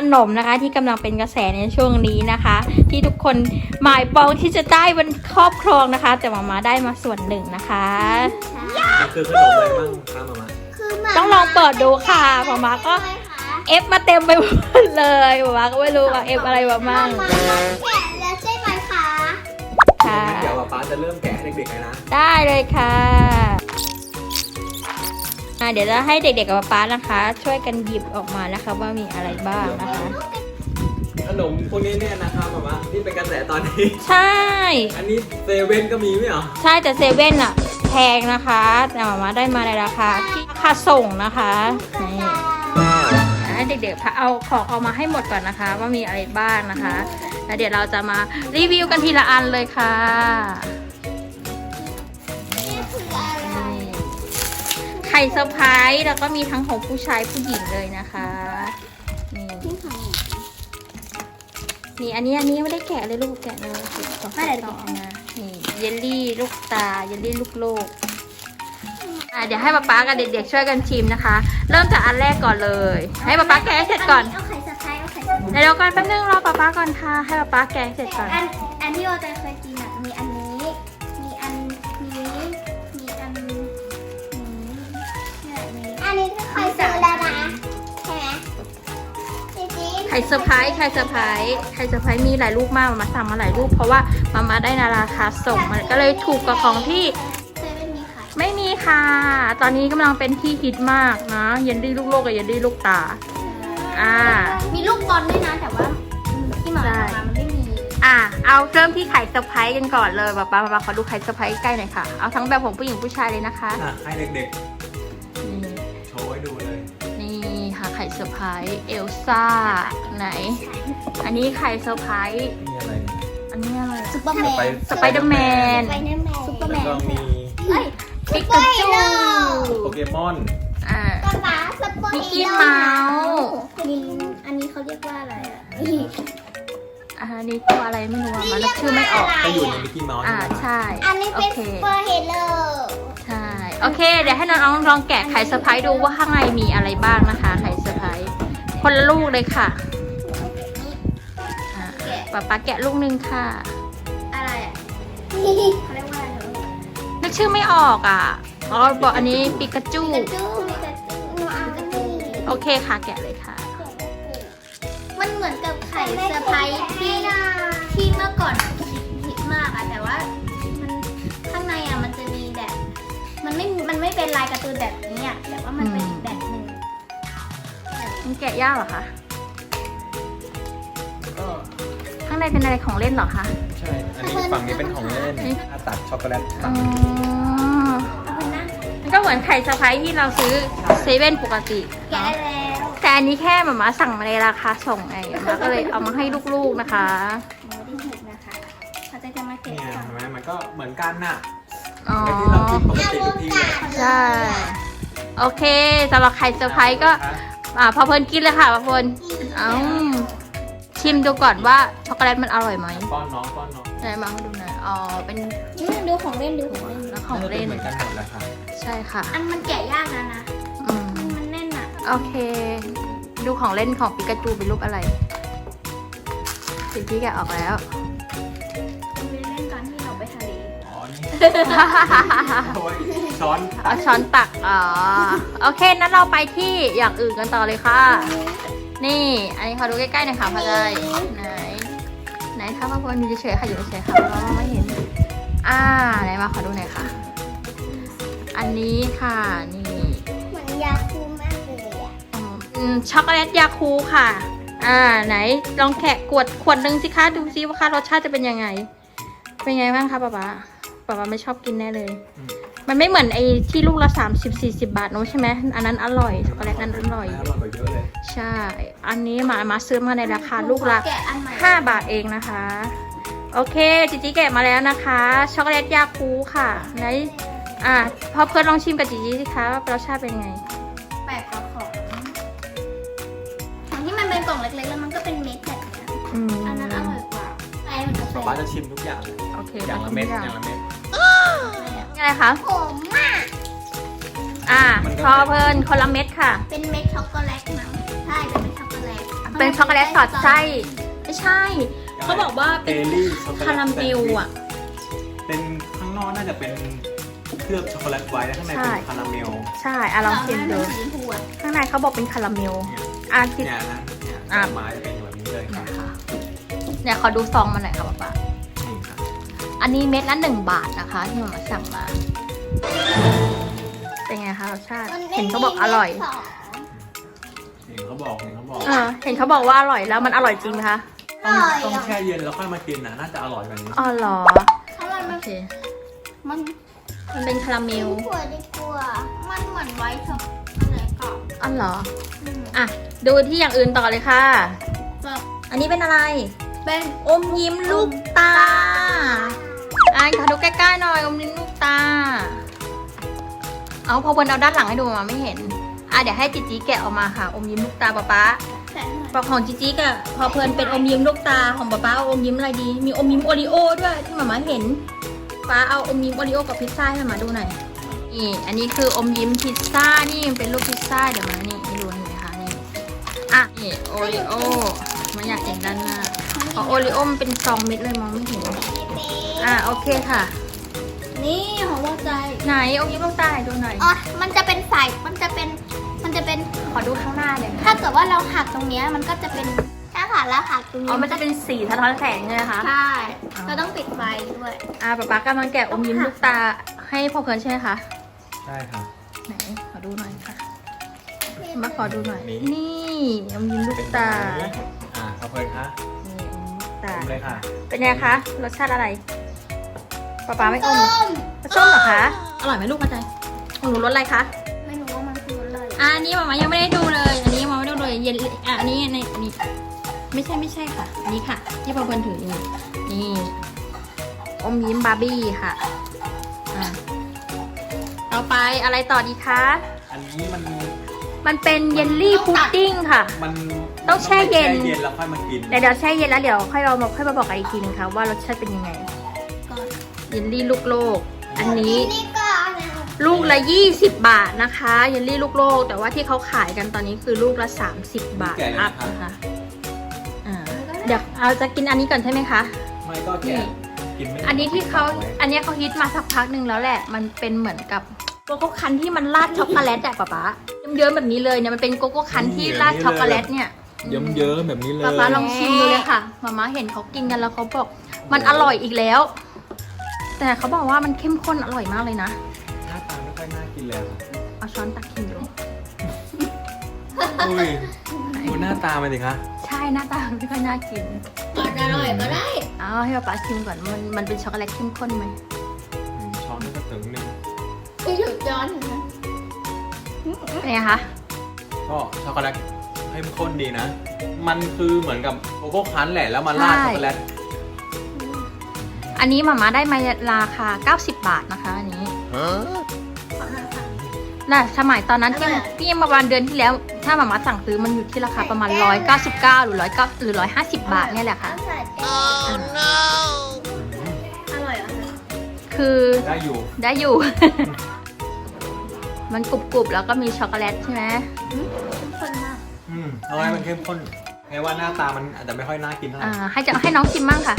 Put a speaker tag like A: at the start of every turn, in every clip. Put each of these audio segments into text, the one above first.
A: นมนะคะที่กำลังเป็นกระแสในช่วงนี้นะคะ ที่ทุกคนหมายปองที่จะได้บนครอบครองนะคะ แต่มาได้มาส่วนหนึ่งนะคะ
B: คือขนมอะไรบ้างคะมา
A: ต้องลองเปิดดูค่ะมาก็เอฟมาเต็มไปหมดเลยมาก็ไม่รู้ว่าเอฟอะไรมาบ้าง
C: แกะแล้วใช่ไหมคะ
A: ค่ะ
B: เดี๋ยวป๊าจะเริ่มแกะให้เด็กๆเลยนะ
A: ได้เลยค่ะเดี๋ยวจะให้เด็กๆกับป๊านะคะ ช่วยกันหยิบออกมานะคะว่ามีอะไรบ้างนะคะ
B: ขนมพวกนี้เนี่ยนะคะมาที่เป็นกระแสตอนนี้
A: ใช่
B: อันนี้เซเว่นก็มีไม่เหรอ
A: ใช่แต่เซเว่นอะแพงนะคะแต่มาได้มาในราคาที่ราคาส่งนะคะนี่เด็กๆเอาของออกมาให้หมดก่อนนะคะ ว่ามีอะไรบ้างนะคะแล้วเดี๋ยวเราจะมารีวิวกันทีละอันเลยค่ะไข่เซอร์ไพรส์แล้วก็มีทั้งของผู้ชายผู้หญิงเลยนะคะนี่อันนี้ไม่ได้แกะเลยลูกแกะเลยไม่ได้ต่อนะนี่เยลลี่ลูกตาเยลลี่ลูกโลกเดี๋ยวให้ป๊ากับเด็กๆช่วยกันชิมนะคะเริ่มจากอันแรกก่อนเลยให้ป๊าแกะเสร็จก่อน
C: เอาไข่สไครเอาไข่สไคร
A: เดี๋ยวก่อนแป๊บนึงรอป๊าก่อนค่ะให้ป๊าแกะเสร็จก่อน
C: อันที่โอใจเคยกินอ่ะมีอันนี้มีอันนี้มีอันนี้อันนี้คือไข่เซอร์แล้วนะใช่ไหม
A: ไข่เซอร์ไพรส์ไข่เซอร์ไพรส์มีหลายลูกมากมาสั่งมาหลายลูกเพราะว่ามาได้ในราคาส่งมันก็เลยถูกกว่าของที่ไม่มีค่ะตอนนี้กำลังเป็นที่ฮิตมากนะเยลลี่ลูกโลกกับเยลลี่ลูกตา
C: มีลูกบอลด้วยนะแต่ว่าที่มามันไม่มี
A: เอาเริ่มที่ไข่เซอร์ไพรส์กันก่อนเลยป๊าขอดูไข่เซอร์ไพรส์ใกล้หน่อยค่ะเอาทั้งแบบของผู้หญิงผู้ชายเลยนะคะ
B: ให้เด็กๆโชว์ให้ดูเลย
A: นี่ค่ะไข่เซอร์ไพรส์เอลซ่าไหนอันนี้ไข่เซอร์ไพรส์
B: นี่อะไร
A: อันนี้อะไร
C: ซุปเปอร์แมน
A: สไปเดอร์แมน
C: ซุปเปอร์แมน
A: ปิกาจู
B: โปเกมอน
A: มิกกี้เมาส์
C: อันนี้เขาเรียกว่าอะไร
A: อันนี้ตัวอะไรไม่รู้มันชื่อไม่ออก
B: ก็อยู่ในมิกกี้เมาส์
A: ใช่
C: อันนี้เป็นซุปเปอร์ฮีโร่
A: ใช่โอเคเดี๋ยวให้น้องลองแกะไข่เซอร์ไพรส์ดูว่าข้างในมีอะไรบ้างนะคะไข่เซอร์ไพรส์คนละลูกเลยค่ะป๊าแกะลูกนึงค่ะ
C: อะไรเขาเรียกว่าอะไร
A: นึกชื่อไม่ออกบอกอันนี้ปิกาจูโอเคค่ะแกะเลยค่ะ
C: มันเหมือนกับไข่เซอร์ไพรส์ที่เมื่อก่อนฮิตมากแต่ว่ามันข้างในมันจะมีแบบมันไม่เป็นลายการ์ตูนแบบนี้แต่ว่ามันเป็นอีกแบบหนึ่ง
A: มันแกะยากเหรอคะข้างในเป็นอะไรของเล่นเหรอคะ
B: ใช่อันนี้ฝั่งนี้เป็นของเล่นตัดช็อกโกแลต
A: มันก็เหมือนไข่เซอร์ไพรส์ที่เราซื้อเซเว่นปกติ
C: แกะแล้ว
A: แต่อันนี้แค่มาสั่งมาในราคาส่งไงก็เลยเอามาให้ลูกๆนะคะ
C: เขาจะมาแกะ
B: เห็นไหมมันก็เหมือนกันน่ะ
A: ที่
B: เรากินปกติทุกที
A: ใช่โอเคสำหรับไข่เซอร์ไพรส์ก็พอเพลินกินเลยค่ะพอเพลินชิมดูก่อนว่าช็อกโกแลตมันอร่อยไหม
B: ป้อนน้อง
A: ไหนมาให้ดูหน่อยเป็น
C: ดูของเล่น
A: แล้วของเล่น
B: เหมือนกันหมดเลยค่ะ
A: ใช่ค่ะ
C: มันแกะยากนะมันแน่น
A: โอเคดูของเล่นของปิกาจูเป็นรูปอะไรสิ่งที่แกะออกแล้ว
C: เล่นตอนที่เราไปทะเล
A: ช้อนตักโอเคนั้นเราไปที่อย่างอื่นกันต่อเลยค่ะนี่อันนี้ขอดูใกล้ๆหน่อยค่ะพอใจไหนถ้าพ่อพลอยู่เฉยๆค่ะอยู่เฉยๆค่ะเราไม่เห็นไหนมาขอดูหน่อยค่ะอันนี้ค่ะนี่
C: เหมือนยาคูมากเลย
A: ช็อกโกแลตยาคูค่ะไหนลองแกะขวดนึงสิคะดูซิว่าค่ะรสชาติจะเป็นยังไงบ้างคะป๊าไม่ชอบกินแน่เลยมันไม่เหมือนไอ้ที่ลูกละ30-40 บาทนู้ใช่ไหมอันนั้นอร่อยช็อกโกแลตนั้นอร่อย
B: กว่าเยอะเลย
A: ใช่อันนี้มาซื้อมาในราคาลูกละ5 บาทเองนะคะโอเคจิแกะมาแล้วนะคะช็อกโกแลตยาคูค่ะไหนพอเพื่อนลองชิมกับจิสิคะว่ารสชาติเป็นไง
C: แปลกกว่าของที่มันเป็นกล่องเล็กๆแล้วมันก็เป็นเม็ดแบบนี้อันนั้นอร่อยกว่า
B: ป๊าจะชิมทุกอย่าง
A: โอเค
B: อย่างละเม็ด
A: อะไรคะ
C: ผม
A: พอเพลินคนละเม็ดค่ะ
C: เป็นเม็ดช็อกโกแลตมั้งใช่เป็นเม็ดช็อกโกแลต
A: เป็นช็อกโกแลตสอดไส้ไม่ใช่เขาบอกว่าเป็น
B: เจลลี่ช็อกโกแลต
A: คาราเมลอ่ะ
B: เป็นข้างนอกน่าจะเป็นเคลือบช็อกโกแลตไว้แล้วข้างในเป็นคาราเมล
A: ใช่อ่ะลองชิมดู
C: สีชมพูอะ
A: ข้างในเขาบอกเป็นคาราเมลอ่ะคิด
B: เนี่ยนะเนี่ย
A: อ่ะ
B: ดอกไม้จะเป็นแบบนี้เลยครับ
A: นะคะเนี่ยขอดูซองมาหน่อยค่ะป๊า
B: นี่ครับ
A: อันนี้เม็ดละ1 บาทนะคะที่มาสั่งมา เป็นไงคะรสชาติ
C: มัน
A: เห็นเขาบอกอร่อย
B: เห็นเขาบอก
A: เห็นเขาบอกว่าอร่อยแล้วมันอร่อยจริงไหมคะ
B: ต้องแช่เย็นแล้วค่อยมากินนะน่าจะอร่อยกว่านี้
A: อ๋อเหรอ
C: ถ้ามัน
A: โอเค
C: มัน
A: มันเป็นคาราเมล
C: กลัวดีกว่ามันเหมือนไวท์ช็อกอะไรก่อน
A: อ๋อเหรออ่ะดูที่อย่างอื่นต่อเลยค่ะ อันนี้เป็นอะไร
C: เป็น
A: อมยิ้มลูกตาขอดูใกล้ๆหน่อยอมยิ้มลูกตา เอาพอบนเอาด้านหลังให้ดูมาไม่เห็นเดี๋ยวให้จิจิแกะออกมาค่ะ อมยิ้มลูกตาป๊า
C: แต่
A: ปอกของจิจิกะพอเพลินเป็นอมยิ้มลูกตาของป๊าเอาอมยิ้มอะไรดี มีอมยิ้มโอริโอด้วยที่หมาเห็นป๊าเอาอมยิ้มโอริโอกับพิซซ่าให้หมาดูหน่อยนี่อันนี้คืออมยิ้มพิซซ่านี่มันเป็นรูปพิซซ่าเดี๋ยวมานี่ให้ดูเห็นไหมคะนี่นี่โอริโอมันอยากเห็นด้านหน้าของโอริโอมันเป็น2 เม็ดเลยมองไม่เห็นโอเคค่ะ
C: นี่ของว่าใจ
A: ไหนอมยิ้มลูกตาให้ดูหน่อย
C: อ๋อมันจะเป็นสายมันจะเป็น
A: ขอดูข้างหน้าเลย
C: ถ้าเกิดว่าเราหักตรงเนี้ยมันก็จะเป็นถ้าหักแล้วหักตรงนี้
A: มันจะเป็นสีสะท้อนแสงใช่ไหมคะ
C: ใช่เราต้องปิดไฟด้วย
A: ป๊ากำลังแกะอมยิ้มลูกตาให้พ่อเพลินใช่ไหมคะ
B: ใช่ครับ
A: ไหนขอดูหน่อยค่ะ มาขอดูหน่อย
B: นี่
A: นี่อมยิ้มลูก
B: เป็น
A: ตา
B: แบบนี้ขอบคุณค่ะ
A: นี่อมยิ้มลูกตา
B: ทำเลยค่ะ
A: เป็นไงคะรสชาติอะไรป๊าไม่อมเหรอส้มเหรอคะอร่อยไหมลูกเข้าใจของหนูรสอะไรคะ
C: ไม่รู้ว่ามันคืออะไร
A: อันนี้มายังไม่ได้ดูเลยอันนี้มาไม่ได้ดูเลยเย็นอันนี้ในนี่ไม่ใช่ค่ะอันนี้ค่ะ ที่พ่อเพลินถืออยู่นี่อมยิ้มบาร์บี้ค่ะต่อไปอะไรต่อดีคะ
B: อันนี้
A: มันเป็นเยลลี่พุดดิ้งค่ะ
B: มัน
A: ต้องแช่เย็น
B: แช่เย็นแล้วค่อยมากิน
A: เดี๋ยวแช่เย็นแล้วเดี๋ยวค่อยมาบอกกันอีกทีนึงค่ะว่ารสชาติเป็นยังไง
C: ก่อน
A: เยลลี่ลูกโลกอันนี้
C: นี่ก่อนนะ
A: ลูกละ20 บาทนะคะเยลลี่ลูกโลกแต่ว่าที่เขาขายกันตอนนี้คือลูกละ30 บาทอัพนะคะเดี๋ยวเอาจะกินอันนี้ก่อนใช่ไหมคะ
B: ไม่ก็แกะกินไม่
A: อันนี้ที่เขาอันนี้เขาฮิตมาสักพักหนึ่งแล้วแหละมันเป็นเหมือนกับโกโก้คันที่มันราดช็อกโกแลตอะป๊าเยิ้มๆแบบนี้เลยเนี่ยมันเป็นโกโก้คันที่ราดช็อกโกแลตเนี่ย
B: เยิ้มๆแบบนี้เลย
A: ป๊าลองชิมดูเลยค่ะมาเห็นเขากินกันแล้วเขาบอกมันอร่อยอีกแล้ว แต่เขาบอกว่ามันเข้มข้นอร่อยมากเลยนะ
B: หน้าตาไม่ค่อยน่ากินเลยครับ
A: เอาช้อนตักกินดู
B: อุ้ยดูหน้าตามันดิคะ
A: ใช่หน้าตาไม่ค่อยน่ากิน
C: อาจจะอร่อยก็ได้
A: เอาให้ป๊าชิมก่อนมันเป็นช็อกโกแลตเข้มข้นไหม
B: ช้อนนี่ก็ถึงหนึ่ง
C: ที่หยุดย้อนนะ
A: เป็นไงคะ
B: ก็ช็อกโกแลตเข้มข้นดีนะ มันคือเหมือนกับโกโก้คั้นแหละแล้วมาราดช็อกโกแลต
A: อันนี้หมาได้มาราคา90 บาทนะคะอันนี้น่ะสมัยตอนนั้นที่มาประมาณเดือนที่แล้ว ถ้าหมาสั่งซื้อมันอยู่ที่ราคาประมาณ199หรือ109หรือ150 บาทเนี่ยแหละค่ะ
C: อร่อยเหรอ
A: คือ
B: ได้อยู่
A: ได้อยู่ มันกรุบๆแล้วก็มีช็อกโกแลตใช่ไหม
C: คนมาก
B: เอาไว้มันเข้มข้นแค่ว่าหน้าตามันอาจจะไม่ค่อยน่ากินเท่าไหร่
A: ให้น้องชิมมั่งค่ะ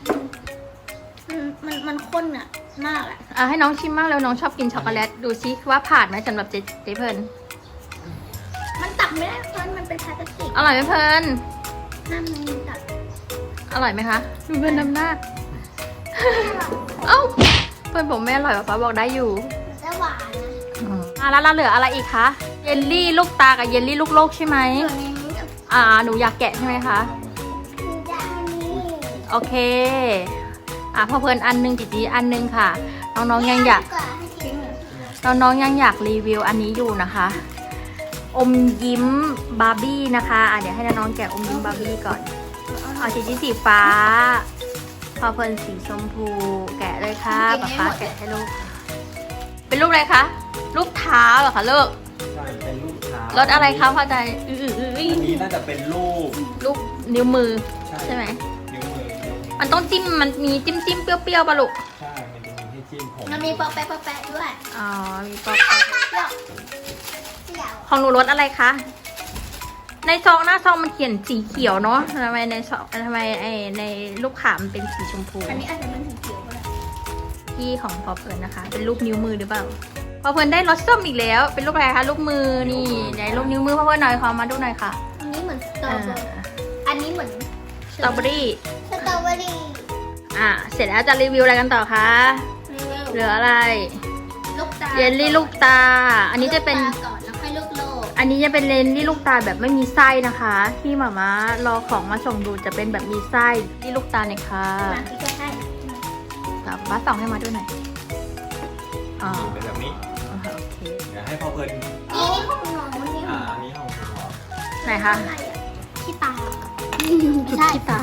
C: มันข้นอะมากอะ
A: ให้น้องชิมมั่งแล้วน้องชอบกินช็อกโกแลตดูซิว่าผ่านไหมสำหรับเจ๊เพลิน
C: มันตักไม่ได้เพราะมันเป็นพลาสติก
A: อร่อยไหมเพลิน
C: น้ำมันตัก
A: อร่อยไหมคะดูเพลินน้ำหน้า เอ้าเพื่อนบอกไม่อร่อยป๊าบอกได้อยู่
C: จะหวานนะ
A: แล้วเราเหลืออะไรอีกคะเยลลี่ลูกตากับเยลลี่ลูกโลกใช่ไหม
C: ส่วนนี้
A: หนูอยากแกะใช่ไหมคะ
C: คือจะอันนี้
A: โอเคพอเพลินอันนึงจีอันนึงค่ะน้องๆยังอยาก
C: ก่อนให้ทิ้งเลย
A: น้องๆยังอยากรีวิวอันนี้อยู่นะคะ อมยิ้มบาร์บี้นะคะเดี๋ยวให้น้องๆแกะอมยิ้มบาร์บี้ก่อนเอาจีสีฟ้า พอเพลินสีชมพูแกะเลยค่ะป๊าแกะให้ลูกเป็นลูกอะไรคะลูกเท้าเหรอคะลูก
B: ใช่เป็นลูกเท้าร
A: สอะไรคะพอใจ
B: อันนี้น่าจะเป็นลูก
A: ลูกนิ้วมือใช่ไหม
B: นิ้วมือ
A: มันต้องจิ้มมันมีจิ้มเปรี้ยวๆป่ะลูก
B: ใช่มันจะมีให้จิ้มผม
C: มันมีปอแปะด้วย
A: อ๋อมีป๊อป
C: เดี๋ยว
A: ของหนูรสอะไรคะในซองหน้าซองมันเขียนสีเขียวเนาะทำไมในซองทำไมในลูกขามนเป็นสีชมพู
C: อันนี้อาจจะเป็นสีเขียวก็ได้
A: ที่ของพอเพลินนะคะ เป็นรูปนิ้วมือหรือเปล่าพอเพลินได้รสส้มอีกแล้ว เป็นรูปอะไรคะรูปมือนี่ไหนรูปนิ้วมือพอเพลินหน่อยขอมาดูหน่อยค่ะ
C: อันนี้เหมือนสตรอเบอร์อันนี้เหมือน
A: สตรอเบอรี่
C: สตรอเบอรี่
A: เสร็จแล้วจะรีวิวอะไรกันต่อคะเหลืออะไร
C: ลูกตา
A: เยลลี่ลูกตา อันนี้จะเป็น
C: ลูกตาก่อนแล้วค่อยลูกโลก
A: อันนี้จะเป็นเยลลี่ลูกตาแบบไม่มีไส้นะคะ ที่หม่ามารอของมาส่งดูจะเป็นแบบมีไส้ที่ลูกตาเนี่ยค่ะ
C: มาที่ใกล้
A: บ้าส่องให้มาด้วยหน่อยอ๋อ
B: เป็นแบบนี้
A: โอเค
B: เดี๋ยวให้พ่อเพลิน
C: ๆนี่ของน้องนี่
B: อันนี้ของผม
A: ไหนคะ
C: อะไรอ่ะขี้ตา
A: ใช่ตา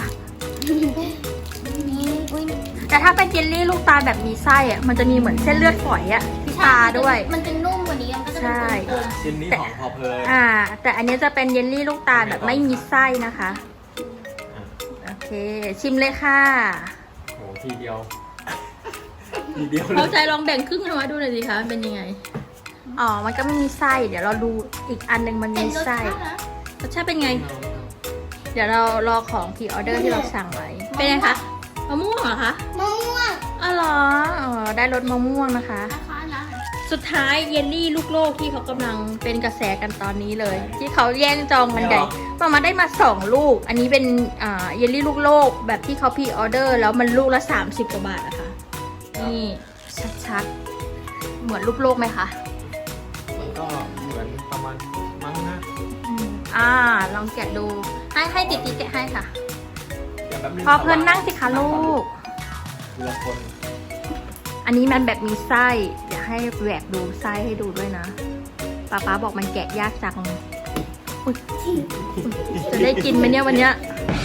C: นี่อุ้ย
A: แต่ถ้าเป็นเยลลี่ลูกตาแบบมีไส้อะมันจะมีเหมือนเส้นเลือดฝอยอะที่ตาด้วย
C: มันจะนุ่มกว่านี้มันก็จะเป็นกลม
B: ชิ้นนี้ของพ่อเพลิน
A: แต่อันนี้จะเป็นเยลลี่ลูกตาแบบไม่มีไส้นะคะ โอเค ชิมเลยค่ะ
B: โอ้ทีเดียว ทีเดียวเล
A: เขา
B: ย
A: ใจลองแบ่งครึ่งให้มาดูหน่อยสิคะเป็นยังไง อ๋อ มันก็ไม่มีไส้ เดี๋ยวเราดูอีกอันหนึ่งมัน
C: ๆเป็น
A: มี
C: รส
A: ไส้
C: ชาตินะ
A: รสชาติเป็นไง เดี๋ยวเรารอของพรีออเดอร์ที่เราสั่งไว้ เป็นไงคะมะม่วงเหรอคะ
C: มะม่วง
A: อ๋อเหรออ๋อได้รสมะม่วงนะคะ
C: นะคะนะ
A: สุดท้ายเยลลี่ลูกโลกที่เขากำลังเป็นกระแสกันตอนนี้เลย ที่เขาแย่งจองกันใหญ่มาได้มา2ลูก อันนี้เป็นเยลลี่ลูกโลกแบบที่เขาพรีออเดอร์แล้วมันลูกละ30 กว่าบาทนะคะนี่ชัดๆเหมือนลูกโลกไหมคะ
B: มันก็เหมือนประมาณมั้งนะ
A: ลองแกะดูให้ติดแกะให้ค่ะ
B: เดี๋ยวแป๊บนึง
A: พอเพลินนั่งสิคะลูก
B: ทีละคน
A: อันนี้มันแบบมีไส้เดี๋ยวให้แหวกดูไส้ให้ดูด้วยนะป๊าบอกมันแกะยากจังอุ๊ยจะได้กินไหมเนี่ยวันเนี้ย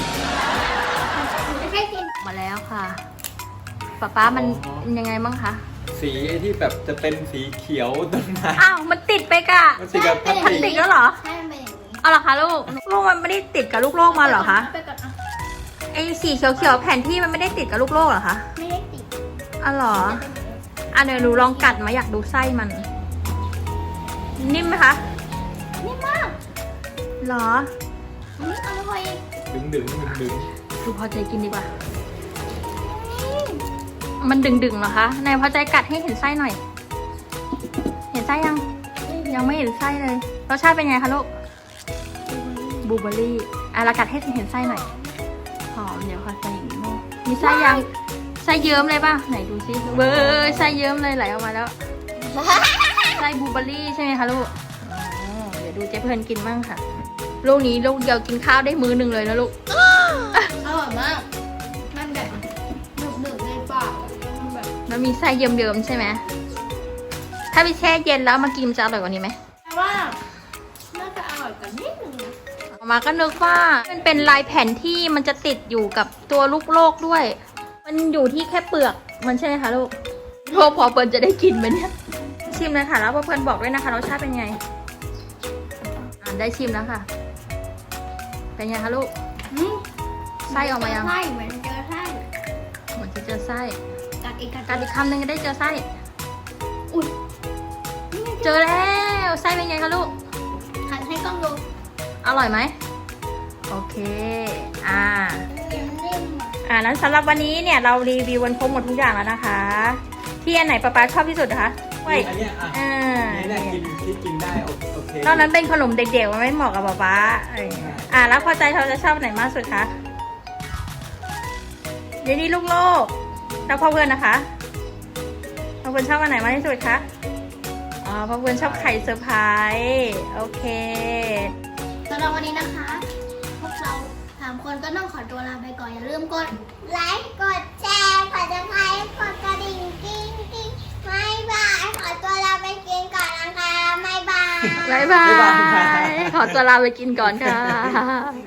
C: ไม่ใช่กิน
A: มาแล้วค่ะป๊ามันยังไงบ้างคะ
B: สีที่แบบจะเป็นสีเขียวต้นไม้
A: อ้าวมันติดไปกะ
B: มันสีกับพลาส
A: มัน
B: ติ
A: ติด
B: ก
A: แล้วเหรอ
C: ใช่มันเป็นอย่างนี้
A: เอาเหรอคะลูกมันไม่ได้ติดกับลูกโลกมาเหรอคะ
C: ไปก่อนอ่ะ
A: ไอ้สีเขียวๆแผ่นที่มันไม่ได้ติดกับลูกโลกเหรอคะ
C: ไม่ได้ติด
A: อ๋อเหรอเดี๋ยวหนูลองกัดมาอยากดูไส้มัน นิ่มไหมคะ
C: นี่มาก
A: เหรอ
C: อร่อย
B: ดึงดึงดึงดึง
A: ดูพอใจกินดีกว่า มันดึงๆเหรอคะนายพอใจกัดให้เห็นไส้หน่อย เห็นไส้ยัง ยังไม่เห็นไส้เลย รสชาติเป็นไงคะลูก บลูเบอร์รี่เรากัดให้เห็นไส้หน่อย หอม เดี๋ยวขอใส่อีกนิดมีไส้ยัง ไส้เยิ้มเลยป่ะ ไหนดูซิเบอร์ไส้เยิ้มเลยไหลออกมาแล้ว ไส้บลูเบอร์รี่ใช่ไหมคะลูก เดี๋ยวดูเจ๊เพลินกินบ้างค่ะ ลูกนี้ลูกเดียวกินข้าวได้มื้อหนึ่งเลยนะลูก
C: อร่อยมาก มันแบบหนึบๆในปากมันแบบ
A: มันมีไส้เยิ้มๆใช่ไหม ถ้าไปแช่เย็นแล้วมากินมันจะอร่อยกว่านี้ไหม
C: แต่ว่าน่าจะอร่อยกว่านิดนึงนะ
A: ออกมาก็นึกว่ามันเป็นลายแผ่นที่มันจะติดอยู่กับตัวลูกโลกด้วย มันอยู่ที่แค่เปลือกมันใช่ไหมคะลูกพอเปิลจะได้กินไหมเนี่ย ชิมเลยค่ะแล้วพอเปิลบอกด้วยนะคะรสชาติเป็นไง ได้ชิมแล้วค่ะ เป็นไงคะลูก ไส้ออกมายัง
C: ไส้เหมือนเจอไส้
A: เหมือนจะเจอไส้
C: กัดอีก
A: กัดอีกคำหนึ่งจะได้เจอไส้
C: อุ้ย
A: เจอแล้วไส้เป็นไงคะลูก
C: หันให้กล้องดู
A: อร่อยไหม โอเค
C: นิ่มๆอ่ะ
A: นั้นสำหรับวันนี้เนี่ยเรารีวิววันครบหมดทุกอย่างแล้วนะคะ ที่อันไหนป๊าชอบที่สุดนะคะไว้
B: อันเนี้ยอ่ะ
A: อ่า
B: นี่แหละกินที่กินได้โอเค
A: ตอนนั้นเป็นขนมเด็กๆมันไม่เหมาะกับป๊าอะไรอย่างเงี้ยแล้วพอใจเราจะชอบอันไหนมากสุดคะเดี๋ยวนี้ลูกโลกแล้วพ่อเพื่อนนะคะพ่อเพื่อนชอบอันไหนมากที่สุดคะพ่อเพื่อนชอบไข่เซอร์ไพรส์โอเค
C: สำหรับวันนี้นะคะ พวกเรา3 คนก็ต้องขอตัวลาไปก่อนอย่าลืมกดไลค์กดแชร์กดติดตามกดกระดิ่งกิ้งกิ้งบ๊ายบายขอตัวลาไปกินก่อนนะคะบ๊ายบาย
A: บ๊ายบาย ขอตัวลาไปกินก่อนค่ะ